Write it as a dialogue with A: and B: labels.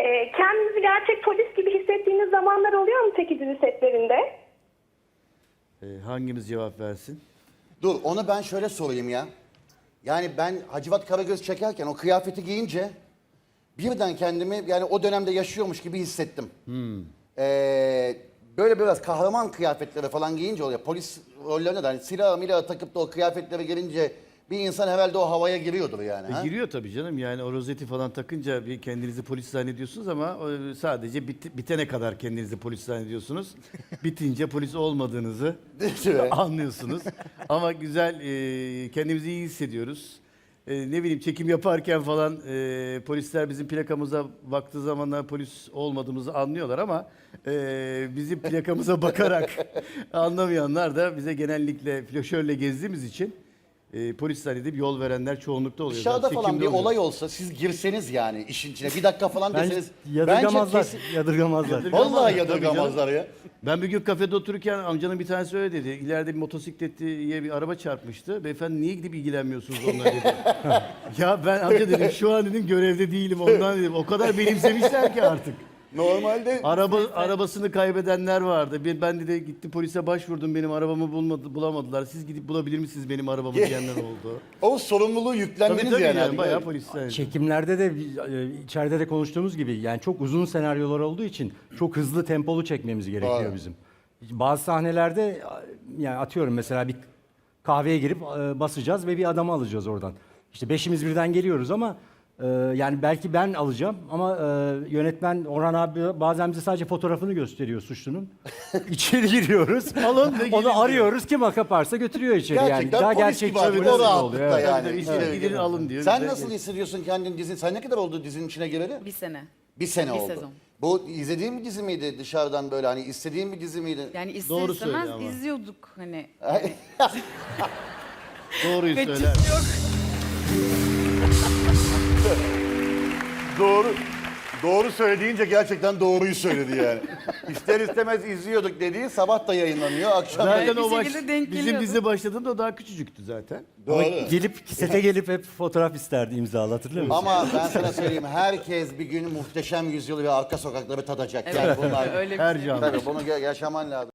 A: Kendinizi gerçek polis gibi hissettiğiniz zamanlar oluyor mu peki dizi setlerinde?
B: Hangimiz cevap versin?
C: Dur onu ben şöyle sorayım ya. Yani ben Hacivat Karagöz çekerken o kıyafeti giyince birden kendimi yani o dönemde yaşıyormuş gibi hissettim. Böyle biraz kahraman kıyafetleri falan giyince oluyor. Polis rollerine de hani silahı takıp da o kıyafetlere gelince bir insan herhalde o havaya giriyordur yani. Ha?
B: Giriyor tabii canım, yani o rozeti falan takınca bir kendinizi polis zannediyorsunuz ama sadece bitene kadar kendinizi polis zannediyorsunuz. Bitince polis olmadığınızı anlıyorsunuz. Ama güzel, kendimizi iyi hissediyoruz. Ne bileyim, çekim yaparken falan polisler bizim plakamıza baktığı zamanlar polis olmadığımızı anlıyorlar ama bizim plakamıza bakarak anlamayanlar da bize genellikle flaşörle gezdiğimiz için polis zannedip yol verenler çoğunlukta oluyor.
C: Dışarıda
B: Zaten
C: falan bir
B: çekimde oluyor.
C: olay olsa siz girseniz yani işin içine bir dakika falan deseniz.
D: Yadırgamazlar.
C: kesin-
D: Yadırgamazlar.
C: Vallahi
B: Tabii
C: yadırgamazlar ya.
B: Ben bir gün kafede otururken amcanın bir tanesi öyle dedi. İleride bir motosikletliye bir araba çarpmıştı. Beyefendi niye gidip ilgilenmiyorsunuz onunla dedi. Ya ben amca dedim şu an dedim görevde değilim ondan dedim. O kadar benimsemişler ki artık.
C: Normalde
B: Arabasını kaybedenler vardı. Ben de gittim polise başvurdum, benim arabamı bulamadılar. Siz gidip bulabilir misiniz benim arabamı diyenler oldu.
C: o sorumluluğu yüklendiniz
B: Tabii
C: yani.
B: yani bayağı polisler.
D: Çekimlerde de içeride de konuştuğumuz gibi yani çok uzun senaryolar olduğu için çok hızlı tempolu çekmemiz gerekiyor
C: Doğru.
D: bizim. Bazı sahnelerde yani atıyorum mesela bir kahveye girip basacağız ve bir adamı alacağız oradan. İşte beşimiz birden geliyoruz ama yani belki ben alacağım ama yönetmen Orhan abi bazen bize sadece fotoğrafını gösteriyor suçlunun. İçeri giriyoruz.
B: Alın ve gidin
D: Onu arıyoruz, kim kaparsa götürüyor içeri yani.
C: Gerçekten
D: Daha
C: polis
D: gerçekçi
C: gibi abi,
D: polis
C: o
D: gibi
C: rahatlıkta
D: oluyor.
C: yani.
B: Tabii,
C: Evet.
B: gidin alın diyor.
C: Sen
B: Bize-
C: nasıl hissediyorsun kendini dizin? Sen ne kadar oldu dizinin içine gireli?
E: Bir sene.
C: Bir sene
E: Bir
C: oldu.
E: sezon.
C: Bu izlediğin bir dizi miydi dışarıdan böyle hani istediğin bir dizi miydi?
E: Yani ister
B: Doğru
E: istemez
B: söyle ama.
E: izliyorduk hani.
B: Doğruyu
E: Kaçış
B: söyler.
E: yok.
C: Doğru söylediğince gerçekten doğruyu söyledi yani. İster istemez izliyorduk dediği sabah da yayınlanıyor, akşam da.
B: Zaten
E: Bir
B: o
E: şekilde denk
B: bizim
E: geliyordu.
B: dizi başladığında o daha küçücüktü zaten.
D: Ama
C: Doğru.
D: gelip sete gelip hep fotoğraf isterdi, imzalat, hatırlıyor musun?
C: Ama ben sana söyleyeyim herkes bir gün Muhteşem Yüzyılı ve Arka Sokakları tadacak. Yani bunlar
E: Öyle bir
B: Her
E: şey.
B: canlı.
C: tabii bunu yaşaman lazım.